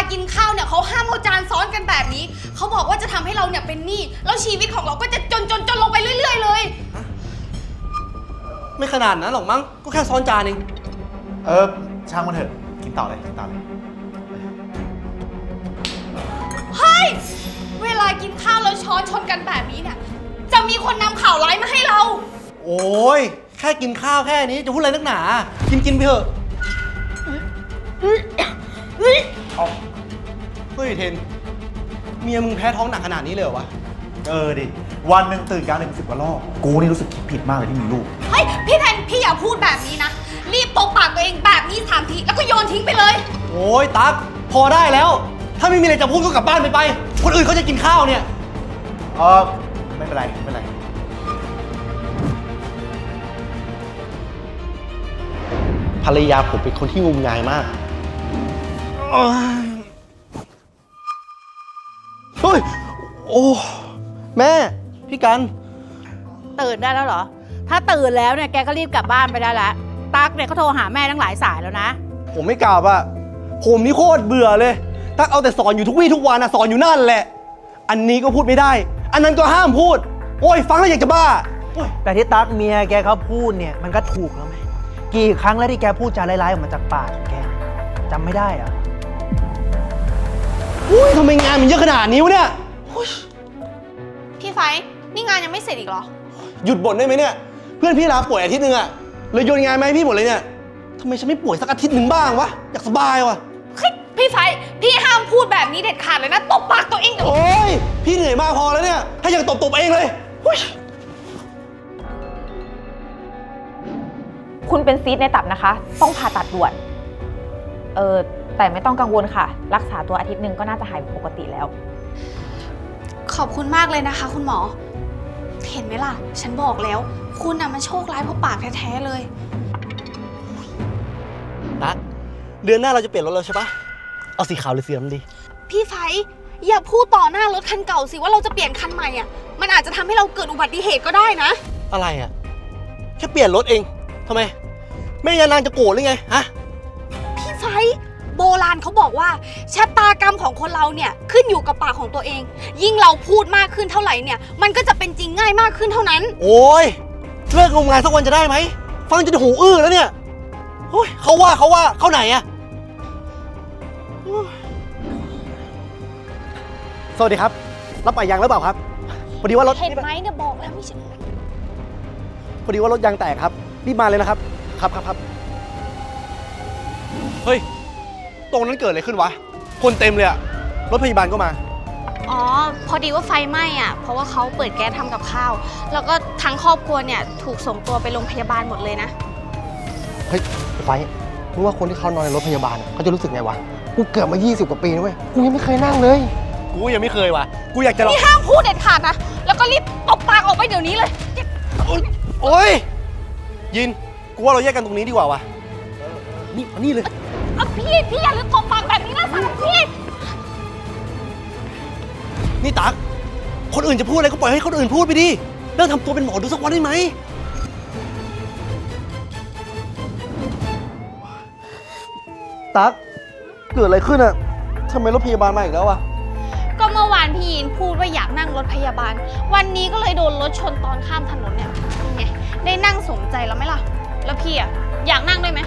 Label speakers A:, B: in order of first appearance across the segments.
A: กินข้าวเนี่ยเขาห้ามเอาจานซ้อนกันแบบนี้เขาบอกว่าจะทำให้เราเนี่ยเป็นหนี้แล้วชีวิตของเราก็จะจนลงไปเรื่อยๆเลย
B: ไม่ขนาดนั้นหรอกมั้งก็แค่ซ้อนจานเอง
C: ช่างมันเถอะกินต่อเลย
A: เฮ้ยเวลากินข้าวแล้วช้อนชนกันแบบนี้เนี่ยจะมีคนนำข่าวร้ายมาให้เรา
B: โอ้ยแค่กินข้าวแค่นี้จะพูดอะไรนักหนากินไปเถอะเฮ้ยเทนเมียมึงแพ้ท้องหนักขนาดนี้เลยเหรอวะ
C: ดิวันหนึ่งตื่นกลางดึก10 กว่ารอบกูนี่รู้สึกคิดผิดมากเลยที่มีลูก
A: เฮ้ยพี่แทนพี่อย่าพูดแบบนี้นะรีบตบปากตัวเองแบบนี้3 ทีแล้วก็โยนทิ้งไปเลย
B: โอ้ยตั๊กพอได้แล้วถ้าไม่มีอะไรจะพูดก็กลับบ้านไปคนอื่นเขาจะกินข้าวเนี่ย
C: ไม่เป็นไร
B: ภรรยาผมเป็นคนที่งมงายมากเฮ้ยโอ้แม่พี่กัน
D: ตื่นได้แล้วเหรอถ้าตื่นแล้วเนี่ยแกก็รีบกลับบ้านไปได้แล้วตั๊กเนี่ยเขาโทรหาแม่ตั้งหลายสายแล้วนะ
B: ผมไม่กลับอะผมนี่โคตรเบื่อเลยตั๊กเอาแต่สอนอยู่ทุกวี่ทุกวันอะสอนอยู่นั่นแหละอันนี้ก็พูดไม่ได้อันนั้นก็ห้ามพูดโอ้ยฟังแล้วอยากจะบ้า
E: แต่ที่ตั๊กเมียแกเขาพูดเนี่ยมันก็ถูกแล้วไหมกี่ครั้งแล้วที่แกพูดจาร้ายๆออกมาจากปากของแกจำไม่ได้อะ
B: อุ้ยทำไมงานมันเยอะขนาดนี้วะเนี่ย
A: พี่ไฟนี่งานยังไม่เสร็จอีกเหรอ
B: หยุดบ่นได้ไหมเนี่ยเพื่อนพี่ลาป่วยอาทิตย์นึงอะเลยโยนงานมาให้พี่หมดเลยเนี่ยทำไมฉันไม่ป่วยสักอาทิตย์หนึ่งบ้างวะอยากสบายวะ
A: พี่ไฟพี่ห้ามพูดแบบนี้เด็ดขาดเลยนะตบปากตัวเองเดี๋ยว
B: โอ้ยพี่เหนื่อยมากพอแล้วเนี่ยถ้าอยากตบเองเลย
F: คุณเป็นซีสต์ในตับนะคะต้องผ่าตัดด่วนแต่ไม่ต้องกังวลค่ะรักษาตัวอาทิตย์หนึ่งก็น่าจะหายปกติแล้ว
A: ขอบคุณมากเลยนะคะคุณหมอเห็นไหมล่ะฉันบอกแล้วคุณน่ะมันโชคร้ายเพราะปากแท้ๆเลย
B: ตั๊กเดือนหน้าเราจะเปลี่ยนรถแล้วใช่ปะเอาสีขาวหรือสีดำดี
A: พี่ไฟอย่าพูดต่อหน้ารถคันเก่าสิว่าเราจะเปลี่ยนคันใหม่อ่ะมันอาจจะทำให้เราเกิดอุบัติเหตุก็ได้นะ
B: อะไรอ่ะแค่เปลี่ยนรถเองทำไมแม่ยานางจะโกรธหรือไงฮะ
A: พี่ไฟโบราณเขาบอกว่าชะตากรรมของคนเราเนี่ยขึ้นอยู่กับปากของตัวเองยิ่งเราพูดมากขึ้นเท่าไหร่เนี่ยมันก็จะเป็นจริงง่ายมากขึ้นเท่านั้น
B: โอ้ยเลิกงมงายสักวันจะได้ไหมฟังจนหูอื้อแล้วเนี่ยโอ้ยเขาว่าเขาไหนอะสวัสดีครับรับปะยางหรือเปล่าครับพอดีว่ารถ
A: เห็นไหมเนี่ยบอกแล้วไม่ใช่
B: พอดีว่ารถยางแตกครับรีบมาเลยนะครับครับเฮ้ยตรงนั้นเกิดอะไรขึ้นวะคนเต็มเลยอะรถพยาบาลก็มา
A: อ๋อพอดีว่าไฟไหม้อ่ะเพราะว่าเขาเปิดแก๊สทำกับข้าวแล้วก็ทั้งครอบครัวเนี่ยถูกส่งตัวไปโรงพยาบาลหมดเลยนะ
B: เฮ้ยไฟรู้ว่าคนที่เขานอนในรถพยาบาลเขาจะรู้สึกไงวะกูเกือบมา20 กว่าปีนะเว้ยกูยังไม่เคยนั่งเลยกูยังไม่เคยวะกูอยากจะ
A: นี่ห้ามพูดเด็ดขาดนะแล้วก็รีบตบปากออกไปเดี๋ยวนี้เลย
B: โอ๊ยยินกูว่าเราแยกกันตรงนี้ดีกว่าวะนี่เลย
A: พี่อย่าลืมตบปากแบบนี้นะสันพี่
B: นี่ตั๊กคนอื่นจะพูดอะไรก็ปล่อยให้คนอื่นพูดไปดิเลิกทำตัวเป็นหมอดูสักวันได้ไหมตั๊กเกิดอะไรขึ้นอะทำไมรถพยาบาลมาอีกแล้วอะ
A: ก็เมื่อวานพี่ยินพูดว่าอยากนั่งรถพยาบาลวันนี้ก็เลยโดนรถชนตอนข้ามถนนเนี่ยไงได้นั่งสมใจแล้วไหมล่ะแล้วพี่อะอยากนั่งด้วยไหม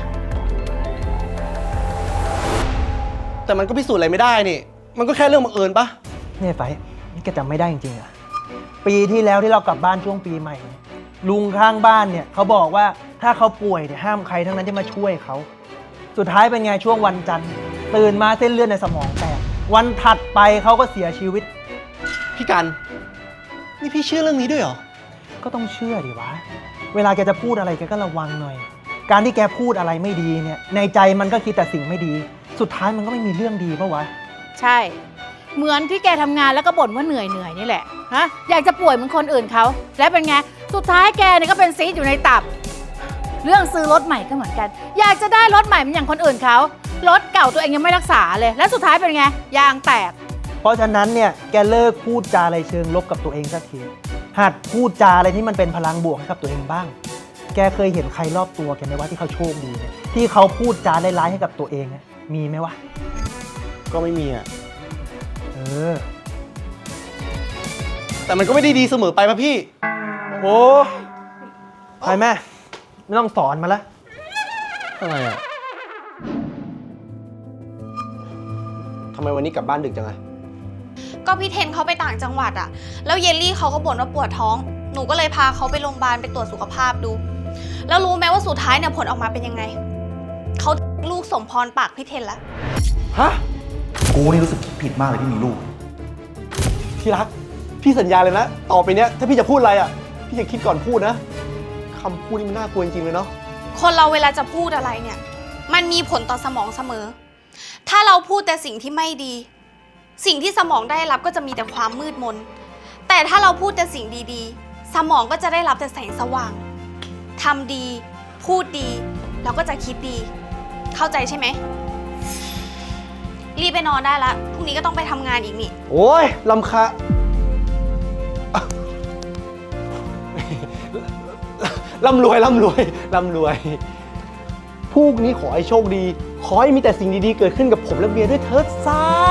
B: แต่มันก็พิสูจน์อะไรไม่ได้นี่มันก็แค่เรื่องบังเอิญปะ
E: เนี่ยไฟนี่แกจำไม่ได้จริงๆอะปีที่แล้วที่เรากลับบ้านช่วงปีใหม่ลุงข้างบ้านเนี่ยเขาบอกว่าถ้าเขาป่วยเนี่ยห้ามใครทั้งนั้นที่มาช่วยเขาสุดท้ายเป็นไงช่วงวันจันทร์ตื่นมาเส้นเลือดในสมองแตกวันถัดไปเขาก็เสียชีวิต
B: พี่กันนี่พี่เชื่อเรื่องนี้ด้วยเหรอ
E: ก็ต้องเชื่อดิวะเวลาแกจะพูดอะไรแกก็ระวังหน่อยการที่แกพูดอะไรไม่ดีเนี่ยในใจมันก็คิดแต่สิ่งไม่ดีสุดท้ายมันก็ไม่มีเรื่องดีปะวะ
D: ใช่เหมือนที่แกทำงานแล้วก็บ่นว่าเหนื่อยนี่แหละฮะอยากจะป่วยเหมือนคนอื่นเขาแล้วเป็นไงสุดท้ายแกเนี่ยก็เป็นซีสต์อยู่ในตับเรื่องซื้อรถใหม่ก็เหมือนกันอยากจะได้รถใหม่เหมือนอย่างคนอื่นเขารถเก่าตัวเองยังไม่รักษาเลยและสุดท้ายเป็นไงยางแตก
E: เพราะฉะนั้นเนี่ยแกเลิกพูดจาอะไรเชิงลบกับตัวเองสักทีหัดพูดจาอะไรที่มันเป็นพลังบวกให้กับตัวเองบ้างแกเคยเห็นใครรอบตัวแกไหมว่าที่เขาโชคดีเนี่ยที่เขาพูดจาร้ายๆให้กับตัวเองมีไหมวะ
B: ก็ไม่มีอ่ะ
E: เออ
B: แต่มันก็ไม่ได้ดีเสมอไปป่ะพี่
E: โอ้ไปแม่ ไม่ต้องสอนมาละ
B: อะไรอ่ะทำไมวันนี้กลับบ้านดึกจังอะ
A: ก็พี่เทนเขาไปต่างจังหวัดอะแล้วเยลลี่เขาก็บ่นว่าปวดท้อง หนูก็เลยพาเขาไปโรงพยาบาลไปตรวจสุขภาพดู แล้วรู้ไหมว่าสุดท้ายเนี่ยผลออกมาเป็นยังไง เขาลูกสมพรปากพี่เทนแล้ว
B: ฮะ
C: กูนี่รู้สึกคิดผิดมากเลยที่มีลูก
B: ที่รัก พี่สัญญาเลยนะ ต่อไปเนี้ยถ้าพี่จะพูดอะไรอ่ะ พี่จะคิดก่อนพูดนะคำพูดนี่มันน่ากลัวจริงๆเลยเนาะ
A: คนเราเวลาจะพูดอะไรเนี่ย มันมีผลต่อสมองเสมอ ถ้าเราพูดแต่สิ่งที่ไม่ดี สิ่งที่สมองได้รับก็จะมีแต่ความมืดมน แต่ถ้าเราพูดแต่สิ่งดีๆ สมองก็จะได้รับแต่แสงสว่าง ทำดี พูดดี เราก็จะคิดดี เข้าใจใช่ไหม รีบไปนอนได้ละ พรุ่งนี้ก็ต้องไปทำงานอีกนี่
B: โอ้ยลำคาร่ำรวยร่ำรวยร่ำรวยพรุ่งนี้ขอให้โชคดี ขอให้มีแต่สิ่งดีๆเกิดขึ้นกับผมและเบียร์ด้วยเถิดสา